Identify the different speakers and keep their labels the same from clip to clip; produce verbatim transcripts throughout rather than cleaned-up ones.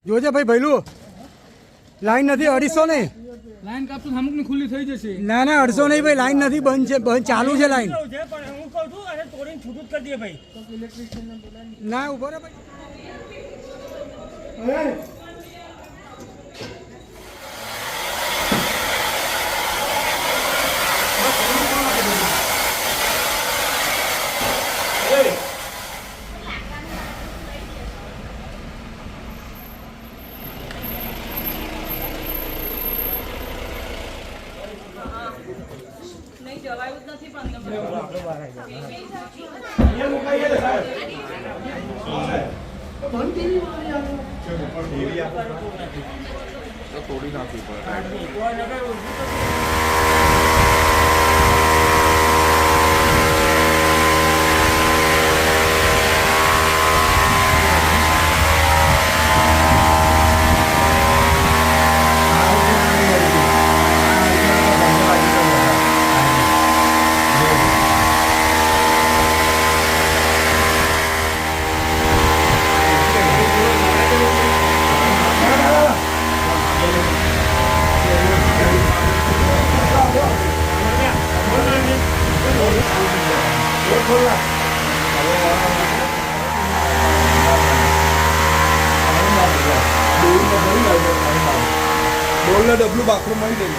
Speaker 1: જોજે ભાઈ ભૈલું લાઈન નથી અઢીસો નહીં
Speaker 2: લાઈન કાપશું અમુક ની ખુલ્લી થઈ જશે.
Speaker 1: ના ના અઢીસો નહીં ભાઈ લાઈન નથી બંધ છે બંધ ચાલુ છે લાઈન
Speaker 3: પણ હું કહું છું અને તોડીને છૂટું જ કરી દે ભાઈ.
Speaker 1: ના ઉભો રે ભાઈ
Speaker 4: નહીં જવાયું જ નથી પણ
Speaker 5: તોડી નાખવી પડે. ડોલને ડબલું બાથરૂમ મળી દેવું.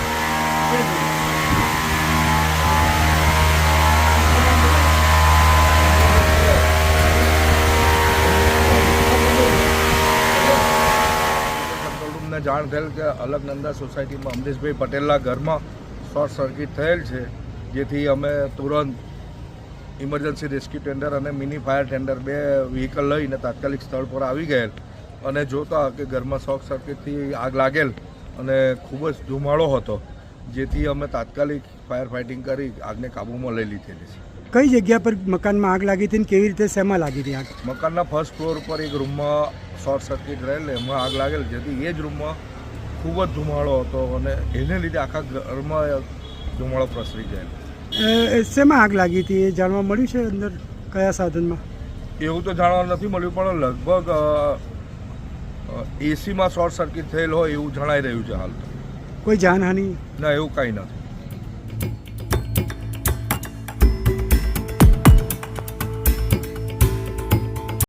Speaker 5: કંટ્રોલ રૂમને જાણ થયેલ કે અલકનંદા સોસાયટીમાં અમરીશભાઈ પટેલના ઘરમાં શોર્ટ સર્કિટ થયેલ છે, જેથી અમે તુરંત ઇમરજન્સી રેસ્ક્યુ ટેન્ડર અને મિની ફાયર ટેન્ડર બે વ્હીકલ લઈને તાત્કાલિક સ્થળ પર આવી ગયેલ અને જોતા કે ઘરમાં શોર્ટ સર્કિટથી આગ લાગેલ અને ખૂબ જ ધુમાડો હતો, જેથી અમે તાત્કાલિક ફાયર ફાઇટિંગ કરી આગને કાબૂમાં લઈ લીધેલી છે.
Speaker 1: કઈ જગ્યા પર મકાનમાં આગ લાગી હતી ને કેવી રીતે શેમાં લાગી હતી આગ?
Speaker 5: મકાનના ફર્સ્ટ ફ્લોર પર એક રૂમમાં શોર્ટ સર્કિટ રહેલ, એમાં આગ લાગેલ, જેથી એ જ રૂમમાં ખૂબ જ ધુમાડો હતો અને એને લીધે આખા ઘરમાં ધુમાડો પ્રસરી ગયેલ.
Speaker 1: શેમાં આગ લાગી હતી એ જાણવા મળ્યું છે? અંદર કયા સાધનમાં?
Speaker 5: એવું તો જાણવા નથી મળ્યું, પણ લગભગ એસીમાં શોર્ટ સર્કિટ થયેલ હોય એવું જણાઈ રહ્યું છે હાલ.
Speaker 1: કોઈ જાનહાનિ?
Speaker 5: ના, એવું કાંઈ નથી.